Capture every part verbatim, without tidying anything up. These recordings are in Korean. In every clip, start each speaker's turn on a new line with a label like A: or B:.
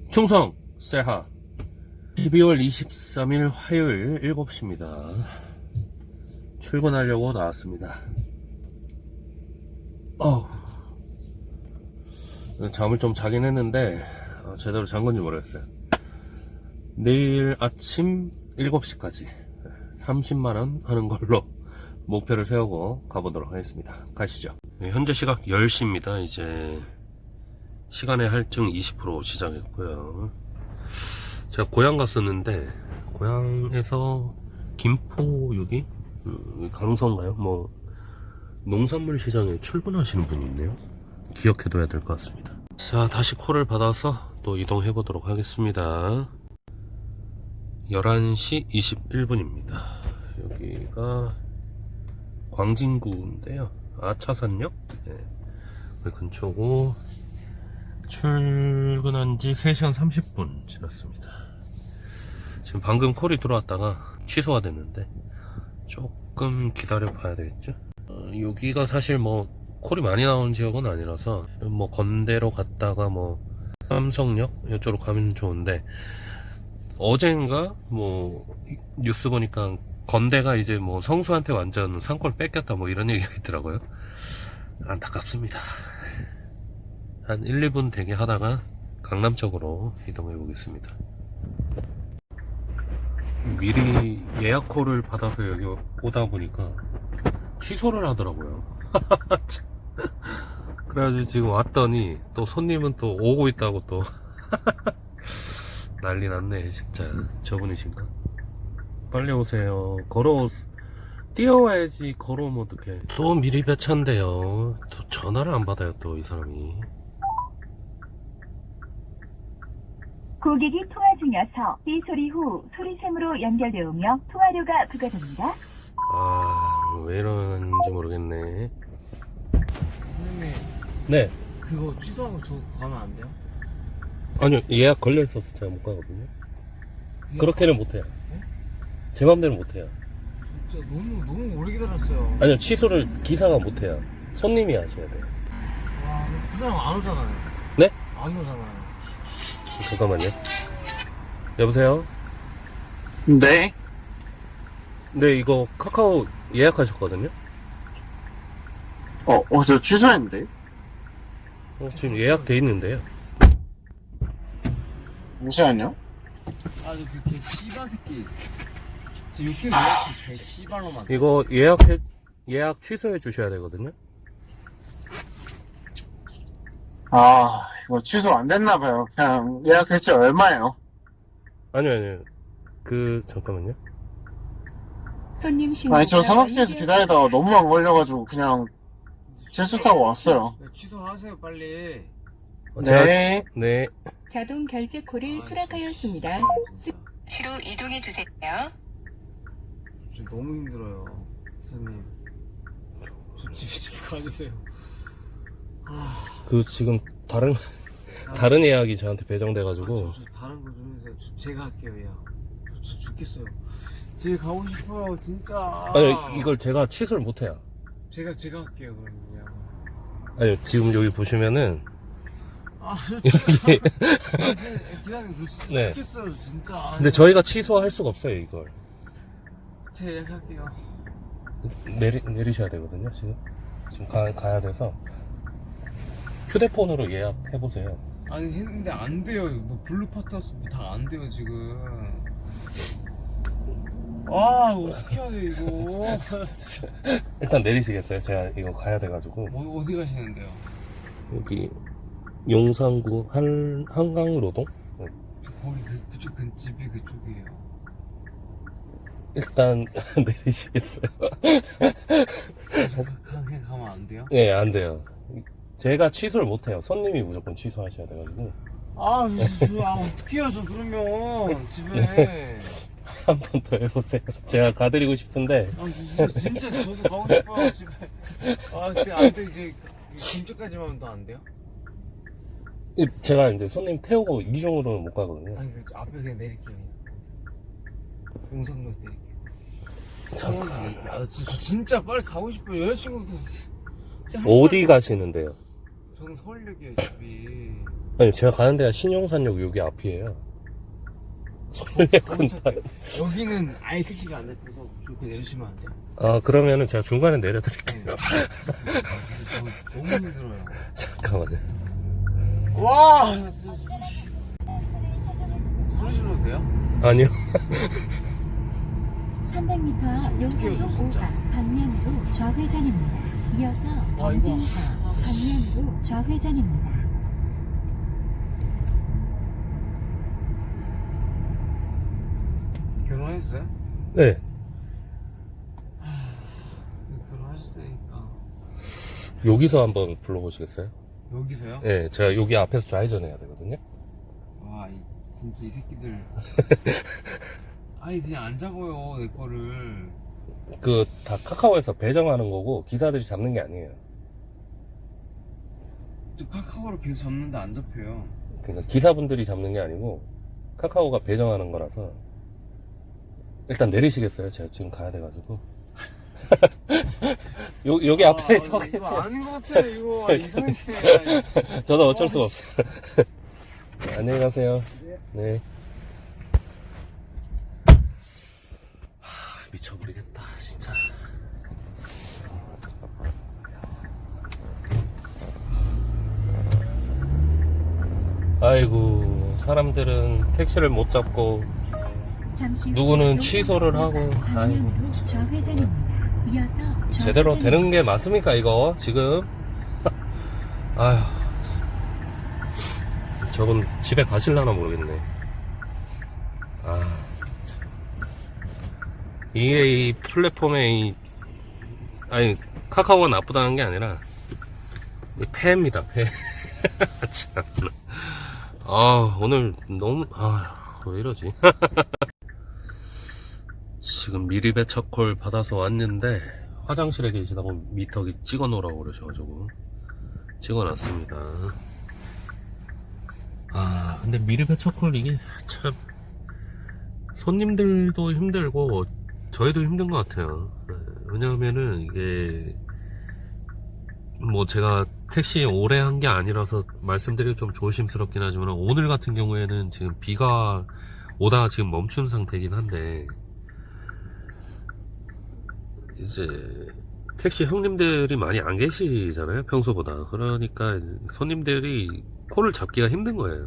A: 충성 세하 십이월 이십삼일 화요일 일곱 시입니다. 출근하려고 나왔습니다. 어우, 잠을 좀 자긴 했는데 어, 제대로 잔 건지 모르겠어요. 내일 아침 일곱 시까지 삼십만원 하는 걸로 목표를 세우고 가보도록 하겠습니다. 가시죠. 네, 현재 시각 열 시입니다. 이제 시간의 할증 이십 퍼센트 시작했고요. 제가 고향 갔었는데 고향에서 김포 여기 음, 강서인가요? 뭐 농산물 시장에 출근하시는 분이 있네요. 기억해둬야 될 것 같습니다. 자, 다시 콜을 받아서 또 이동해 보도록 하겠습니다. 열한 시 이십일 분입니다 여기가 광진구인데요. 아차산역 네, 그 근처고 출근한 지 세 시간 삼십 분 지났습니다. 지금 방금 콜이 들어왔다가 취소가 됐는데 조금 기다려 봐야 되겠죠. 어, 여기가 사실 뭐 콜이 많이 나오는 지역은 아니라서 뭐 건대로 갔다가 뭐 삼성역 이쪽으로 가면 좋은데, 어젠가 뭐 뉴스 보니까 건대가 이제 뭐 성수한테 완전 상권 뺏겼다 뭐 이런 얘기가 있더라고요. 안타깝습니다. 한 일, 이 분 대기 하다가 강남 쪽으로 이동해 보겠습니다. 미리 예약 콜을 받아서 여기 오다 보니까 취소를 하더라고요. 그래가지고 지금 왔더니 또 손님은 또 오고 있다고 또 난리 났네 진짜. 저분이신가? 빨리 오세요. 걸어 뛰어와야지. 걸어오면 어떡해. 또 미리 배차인데요. 또 전화를 안 받아요 또 이 사람이.
B: 고객이 통화 중이어서 삐 소리 후 소리샘으로 연결되으며 통화료가 부과됩니다.
A: 아, 왜 이러는지 모르겠네.
C: 선생님,
A: 네.
C: 그거 취소하고 저 가면 안 돼요?
A: 아니요, 예약 걸려있어서 제가 못 가거든요.
C: 그냥
A: 그렇게는 못해요.
C: 네?
A: 제 맘대로 못해요.
C: 진짜 너무 너무 오래 기다렸어요.
A: 아니요, 취소를 기사가 못해요. 손님이 하셔야 돼요.
C: 와, 그 사람 안 오잖아요.
A: 네?
C: 안 오잖아요.
A: 잠깐만요. 여보세요?
D: 네?
A: 네, 이거 카카오 예약하셨거든요?
D: 어, 어, 저 취소했는데?
A: 어, 지금 예약돼 있는데요.
D: 잠시만요.
C: 아, 저그 개 씨발 새끼. 지금 이렇게 뭐야? 개 씨발로만.
A: 이거 예약해, 예약 취소해 주셔야 되거든요?
D: 아, 이거 취소 안 됐나봐요. 그냥 예약했지 얼마예요?
A: 아니요, 아니요. 그, 잠깐만요.
B: 손님 신고.
D: 아니, 저 사무실에서 기다리다가 너무 안 걸려가지고 그냥 실수 타고 왔어요.
C: 네, 취소하세요 빨리.
A: 어, 제가-
D: 네.
A: 네.
B: 자동 결제 콜을
C: 아,
B: 수락하였습니다.
C: 진짜.
E: 치로 이동해 주세요.
C: 진짜 너무 힘들어요, 선생님. 저 집에 좀 가주세요. 아,
A: 그, 지금, 다른, 다른 예약이 저한테 배정돼가지고.
C: 아, 저, 저 다른 거 좀 해주세요. 저, 제가 할게요, 야. 저, 저 죽겠어요. 집에 가고 싶어요, 진짜.
A: 아니, 이걸 제가 취소를 못해요.
C: 제가 제가 할게요, 그러면. 야.
A: 아니, 지금 여기 보시면은,
C: 아, 저 진짜. 아, 기다려, 저 진짜
A: 네.
C: 죽겠어요, 진짜. 아,
A: 근데 저희가 취소할 수가 없어요, 이걸.
C: 제가 예약할게요.
A: 내리, 내리셔야 되거든요, 지금. 지금 가, 가야 돼서. 휴대폰으로 예약해보세요.
C: 아니, 했는데 안 돼요. 뭐, 블루파트스 다 안 돼요, 지금. 아, 어떻게 해야 돼, 이거.
A: 일단 내리시겠어요? 제가 이거 가야 돼가지고.
C: 어, 어디 가시는데요?
A: 여기, 용산구 한, 한강로동?
C: 저 거기 그, 그쪽 근 집이 그쪽이에요.
A: 일단, 내리시겠어요?
C: 저 가- 그냥 가면 안 돼요?
A: 네, 안 돼요. 제가 취소를 못해요. 손님이 무조건 취소하셔야 돼가지고.
C: 아, 저, 저, 아 어떻게 해요, 저 그러면. 집에.
A: 한 번 더 해보세요. 제가 가드리고 싶은데.
C: 아, 진짜, 진짜 저도 가고 싶어요, 집에. 아, 진짜 안 돼, 이제. 김치까지만 하면 더 안 돼요?
A: 제가 이제 손님 태우고 이중으로는 못 가거든요.
C: 아니, 그 앞에 그냥 내릴게요, 그냥. 용산로 내릴게요.
A: 잠깐.
C: 아, 저, 저 진짜 빨리 가고 싶어요. 여자친구도. 진짜 할
A: 어디
C: 말-
A: 가시는데요?
C: 저는 서울역이에요, 집이.
A: 아니 제가 가는 데가 신용산역 여기 앞이에요. 서울역은
C: 여기는 아예 택시가 안 잡혀서 이렇게 내리시면 안 돼요?
A: 아 그러면은 제가 중간에 내려드릴게요.
C: 너무 힘들어요.
A: 잠깐만요.
C: 와! 나 진짜 소리 질러도 돼요?
A: 아니요.
E: 삼백 미터 앞 용산동
C: 진짜.
E: 오 번 방면으로 좌회전입니다. 이어서
C: 와, 이거.
E: 범진서 방면으로 좌회전입니다.
C: 결혼했어요?
A: 네.
C: 결혼하셨으니까.
A: 여기서 한번 불러보시겠어요?
C: 여기서요?
A: 네, 제가 여기 앞에서 좌회전해야 되거든요.
C: 와, 이, 진짜 이 새끼들. 아니, 그냥 안 잡아요, 내 거를.
A: 그 다 카카오에서 배정하는 거고 기사들이 잡는 게 아니에요.
C: 저 카카오로 계속 잡는데 안 잡혀요.
A: 그러니까 기사분들이 잡는 게 아니고 카카오가 배정하는 거라서. 일단 내리시겠어요? 제가 지금 가야 돼가지고. 요, 여기 앞에
C: 아,
A: 서
C: 이거
A: 계세요.
C: 아닌 것 같아, 이거. 아, 이상해.
A: 저도 어쩔 수가 없어요. 네, 안녕히 가세요. 네. 하, 미쳐버리겠다, 진짜. 아이고, 사람들은 택시를 못 잡고,
E: 잠시 후
A: 누구는
E: 용산동
A: 취소를
E: 오 번
A: 하고,
E: 방면으로
A: 아이고, 참.
E: 좌회전입니다. 이어서
A: 제대로
E: 좌회전입니다.
A: 되는 게 맞습니까, 이거, 지금? 아휴, 참. 저분 집에 가실라나 모르겠네. 아, 참. 이게 이 플랫폼에 이, 아니, 카카오가 나쁘다는 게 아니라, 이 폐입니다, 폐. 참. 아, 오늘 너무, 아, 왜 이러지? 지금 미리배 첫콜 받아서 왔는데, 화장실에 계시다고 미터기 찍어 놓으라고 그러셔가지고, 찍어 놨습니다. 아, 근데 미리배 첫콜 이게 참, 손님들도 힘들고, 저희도 힘든 것 같아요. 네, 왜냐하면은 이게, 뭐 제가 택시 오래 한 게 아니라서 말씀드리기 좀 조심스럽긴 하지만 오늘 같은 경우에는 지금 비가 오다가 지금 멈춘 상태이긴 한데 이제 택시 형님들이 많이 안 계시잖아요, 평소보다. 그러니까 손님들이 콜을 잡기가 힘든 거예요.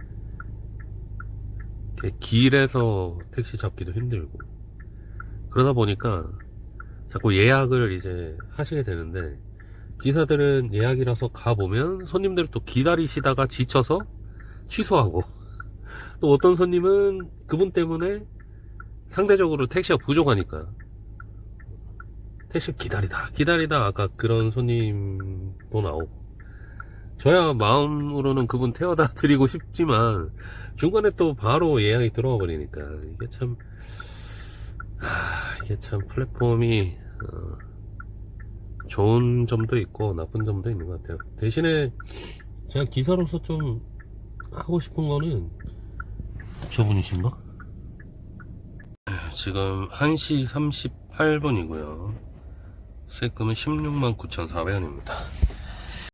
A: 이렇게 길에서 택시 잡기도 힘들고 그러다 보니까 자꾸 예약을 이제 하시게 되는데 기사들은 예약이라서 가보면 손님들을 또 기다리시다가 지쳐서 취소하고 또 어떤 손님은 그분 때문에 상대적으로 택시가 부족하니까 택시 기다리다 기다리다 아까 그런 손님도 나오고 저야 마음으로는 그분 태워다 드리고 싶지만 중간에 또 바로 예약이 들어와 버리니까 이게 참 아, 이게 참 플랫폼이 어, 좋은 점도 있고 나쁜 점도 있는 것 같아요. 대신에 제가 기사로서 좀 하고 싶은 거는 저분이신가? 지금 한 시 삼십팔 분이고요 세금은 십육만 구천사백 원입니다